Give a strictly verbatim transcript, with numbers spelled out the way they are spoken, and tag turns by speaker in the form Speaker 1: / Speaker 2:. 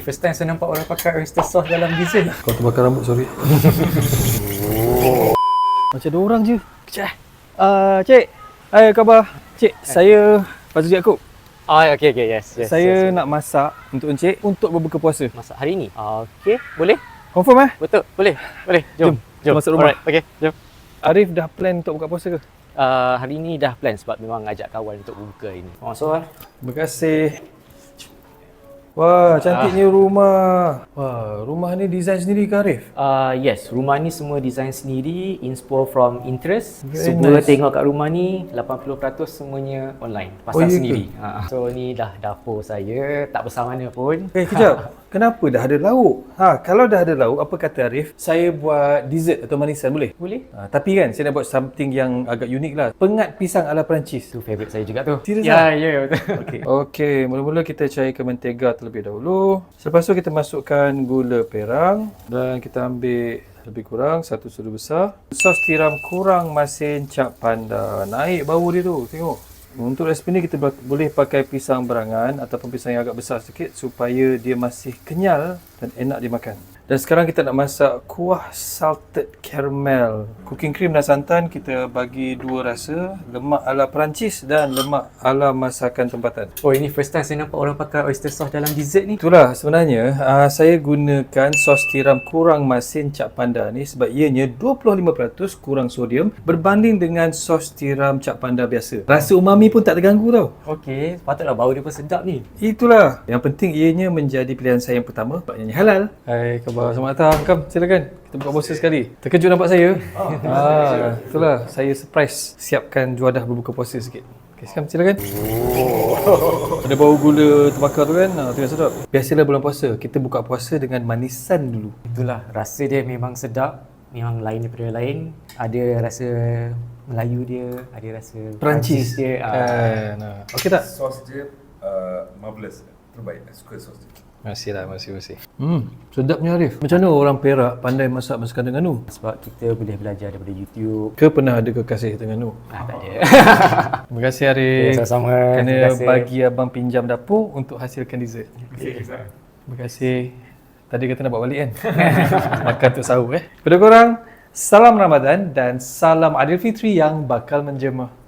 Speaker 1: first time saya nampak orang pakai oyster sauce dalam dessert.
Speaker 2: Kau terbakar rambut, sorry. Macam ada orang je. Kejap. Uh, Cik, hai khabar? Cik, hai. Saya Fazli Yaakob.
Speaker 1: Oh, okey okey, yes, yes.
Speaker 2: Saya
Speaker 1: yes,
Speaker 2: nak masak untuk encik untuk berbuka puasa.
Speaker 1: Masak hari ni? Okey, boleh?
Speaker 2: Confirm eh?
Speaker 1: Betul, boleh. Boleh.
Speaker 2: Jom,
Speaker 1: Jom. Jom.
Speaker 2: masuk rumah.
Speaker 1: Alright, okey, jom.
Speaker 2: Arif dah plan untuk buka puasa ke?
Speaker 1: Uh, hari ni dah plan sebab memang ajak kawan untuk buka ini. Masuk ah.
Speaker 2: Terima kasih. Wah, cantiknya ah. rumah. Wah, rumah ni design sendiri ke Arif?
Speaker 1: Uh, yes, rumah ni semua design sendiri, inspo from Pinterest.
Speaker 2: Very
Speaker 1: Semua
Speaker 2: nice.
Speaker 1: Tengok kat rumah ni lapan puluh peratus semuanya online, pasang
Speaker 2: Oh, ya
Speaker 1: sendiri. Ha. So ni dah dapur saya, tak besar mana pun.
Speaker 2: Eh, kejap. Kenapa dah ada lauk? Ha, kalau dah ada lauk, apa kata Arif? Saya buat dessert atau manisan, boleh?
Speaker 1: Boleh?
Speaker 2: Ha, tapi kan, saya nak buat something yang agak unik lah. Pengat pisang ala Perancis.
Speaker 1: Itu favourite saya juga tu.
Speaker 2: Serius
Speaker 1: Ya,
Speaker 2: ah?
Speaker 1: ya, betul.
Speaker 2: Okey. Okey, mula-mula kita cairkan mentega terlebih dahulu. Selepas tu kita masukkan gula perang dan kita ambil lebih kurang satu sudu besar. Sos tiram kurang masin cap panda. Naik bau dia tu, tengok. Untuk resipi ni kita boleh pakai pisang berangan ataupun pisang yang agak besar sikit supaya dia masih kenyal dan enak dimakan. Dan sekarang kita nak masak kuah salted caramel. Cooking cream dan santan kita bagi dua rasa, lemak ala Perancis dan lemak ala masakan tempatan.
Speaker 1: Oh, ini first time saya nampak orang pakai oyster sauce dalam dessert ni.
Speaker 2: Itulah sebenarnya uh, saya gunakan sos tiram kurang masin cap panda ni sebab ianya dua puluh lima peratus kurang sodium berbanding dengan sos tiram cap panda biasa. Rasa umami pun tak terganggu tau.
Speaker 1: Okey, patutlah bau dia pun sedap ni.
Speaker 2: Itulah. Yang penting ianya menjadi pilihan saya yang pertama sebab ianya halal. Hai, khabar, selamat datang. Come, silakan. Kita buka puasa sekali. Terkejut nampak saya? Oh, ah, itulah. Saya surprise siapkan juadah berbuka puasa sikit. Okay, come, silakan. Oh. Ada bau gula terbakar tu kan? Ah, tengok sedap. Biasalah bulan puasa, kita buka puasa dengan manisan dulu.
Speaker 1: Itulah, rasa dia memang sedap. Memang lain daripada yang lain. Ada rasa Melayu dia, ada rasa
Speaker 2: Perancis
Speaker 1: dia.
Speaker 2: Kan. Ah. Okey tak?
Speaker 3: Sos dia uh, marvelous. Terbaik. Suka sos dia.
Speaker 2: Masih lah, masih masih. Hmm, sedapnya Arif. Macam mana orang Perak pandai masak masakan Terengganu?
Speaker 1: Sebab kita boleh belajar daripada YouTube.
Speaker 2: Ke pernah ada kekasih Terengganu?
Speaker 1: Ah, tak ada.
Speaker 2: Terima kasih Arif.
Speaker 1: Ya, sama-sama.
Speaker 2: Kerana
Speaker 1: Terima kasih.
Speaker 2: bagi abang pinjam dapur untuk hasilkan dessert. Terima kasih. Tadi kata nak bawa balik kan? Makan untuk sahur eh. Kepada korang, salam Ramadan dan salam Aidilfitri yang bakal menjema.